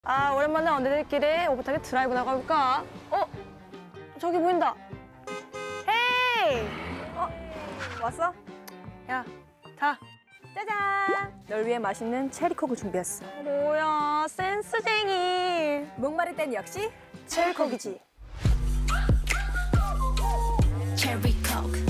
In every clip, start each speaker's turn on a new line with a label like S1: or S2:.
S1: 아, 오랜만에 언니들끼리 오붓하게 드라이브 나가볼까? 저기 보인다. 헤이! 왔어? 야, 자. 짜잔! 널 위해 맛있는 체리콕을 준비했어. 뭐야, 센스쟁이. 목마를 땐 역시 체리콕이지.
S2: Cherry Coke.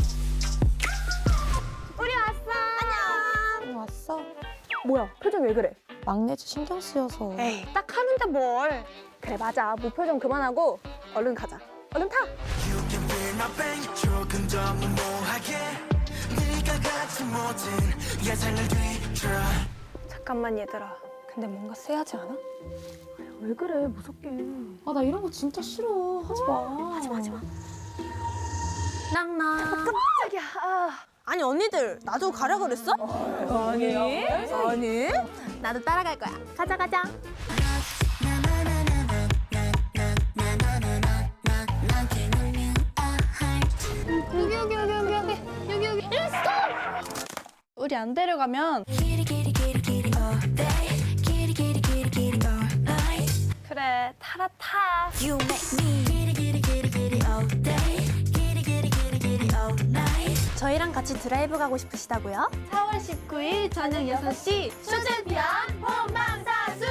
S1: 우리 왔어. 안녕.
S3: 왔어?
S1: 뭐야, 표정 왜 그래?
S3: 막내지 신경 쓰여서.
S1: 에이, 딱 하는데 뭘. 그래, 맞아. 무표정 그만하고 얼른 가자. 얼른 타!
S4: You can feel my pain 조금 더 무모하게 네가 갖지 못한 예상을 뒤져
S1: 잠깐만, 얘들아. 근데 뭔가 세하지 않아? 왜 그래, 무섭게.
S3: 아, 나 이런 거 진짜 싫어. 하지 마.
S1: 하지 마.
S3: 낭낭.
S1: 깜짝이야.
S3: 아니, 언니들, 나도 가라 그랬어? 아니. 나도 따라갈 거야. 가자, 가자. 여기.
S1: 우리 안 데려가면.
S2: Kitty kitty kitty kitty all day. Kitty kitty kitty kitty all night.
S1: 그래, 타라 타.
S2: You make me kitty kitty kitty kitty all day. Kitty kitty kitty kitty all night.
S3: 저희랑 같이 드라이브 가고 싶으시다고요?
S1: 4월 19일 저녁 6시 쇼챔피언 본방사수!